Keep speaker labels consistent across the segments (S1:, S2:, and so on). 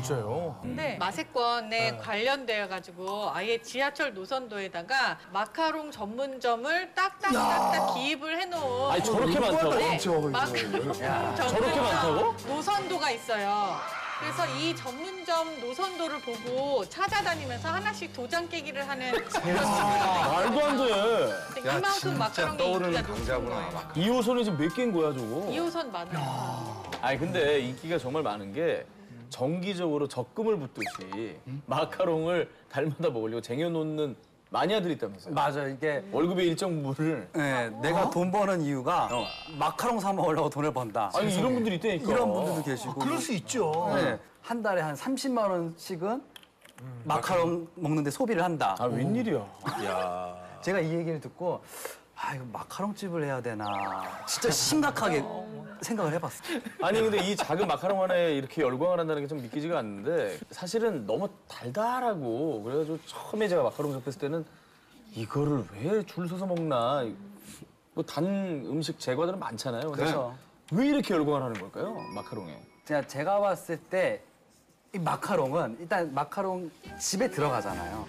S1: 진짜요?
S2: 근데 마세권에 관련되어가지고 아예 지하철 노선도에다가 마카롱 전문점을 딱딱딱딱 기입을 해놓은.
S1: 아니 저렇게 많다고?
S2: 네,
S3: 많죠,
S2: 마카롱
S1: 저렇게 많다고?
S2: 노선도가 있어요. 그래서 이 전문점 노선도를 보고 찾아다니면서 하나씩 도장 깨기를 하는 그런 친구가
S1: 말도 안 돼.
S2: 이만큼 마카롱이
S3: 떠오르는
S2: 인기가 높은
S3: 강자구나.
S2: 거예요.
S1: 2호선이 지금 몇 개인 거야 저거?
S2: 2호선 많아요.
S1: 아니 근데 인기가 정말 많은 게 정기적으로 적금을 붓듯이 마카롱을 달마다 먹으려고 쟁여놓는 마니아들이 있다면서요.
S4: 맞아, 이게
S1: 월급의 일정 부분을.
S4: 네, 내가 돈 버는 이유가 마카롱 사 먹으려고 돈을 번다.
S1: 아니 이런 분들이 있다니까.
S4: 이런 분들도 계시고.
S3: 그럴 수 있죠.
S4: 네, 한 달에 한 30만 원씩은 마카롱 먹는데 소비를 한다.
S1: 아 웬일이야.
S3: 야.
S4: 제가 이 얘기를 듣고 아 이거 마카롱 집을 해야 되나 진짜 심각하게 생각을 해봤어요.
S1: 아니 근데 이 작은 마카롱 하나에 이렇게 열광을 한다는 게 좀 믿기지가 않는데 사실은 너무 달달하고 그래가지고 처음에 제가 마카롱 접했을 때는 이거를 왜 줄 서서 먹나. 뭐 단 음식 제과들은 많잖아요. 근데
S4: 그렇죠.
S1: 왜 이렇게 열광을 하는 걸까요? 마카롱에.
S4: 제가 봤을 때 이 마카롱은 일단 마카롱 집에 들어가잖아요.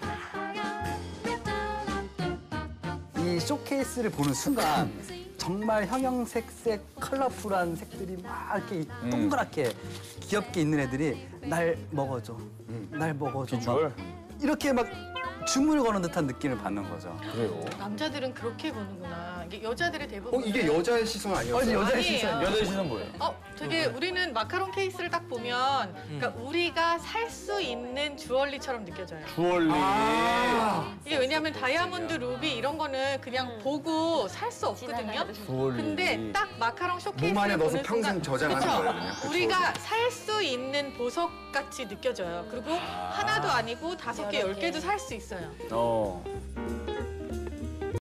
S4: 이 쇼케이스를 보는 순간 정말 형형색색 컬러풀한 색들이 막 이렇게 동그랗게 귀엽게 있는 애들이 날 먹어줘, 날 먹어줘.
S1: 비주얼?
S4: 이렇게 막 주문을 거는 듯한 느낌을 받는 거죠.
S1: 그래요.
S2: 남자들은 그렇게 보는구나. 이게 여자들의 대부분.
S3: 이게 여자의 시선 아니었어요?
S4: 여자의
S2: 아니에요.
S4: 시선.
S1: 여자의 시선 뭐예요?
S2: 되게 우리는 마카롱 케이스를 딱 보면 그러니까 우리가 살 수 있는 주얼리처럼 느껴져요.
S1: 주얼리.
S2: 이게 왜냐하면 다이아몬드, 루비 이런 거는 그냥 보고 살 수 없거든요.
S1: 주얼리.
S2: 근데 딱 마카롱 쇼케이스를
S3: 몸 안에 넣어서
S2: 보는
S3: 평생
S2: 순간,
S3: 저장하는
S2: 그쵸?
S3: 거예요, 그냥. 그쵸.
S2: 우리가 살 수 있는 보석같이 느껴져요. 그리고 하나도 아니고 5개, 10개도 살 수 있어요.
S1: 어.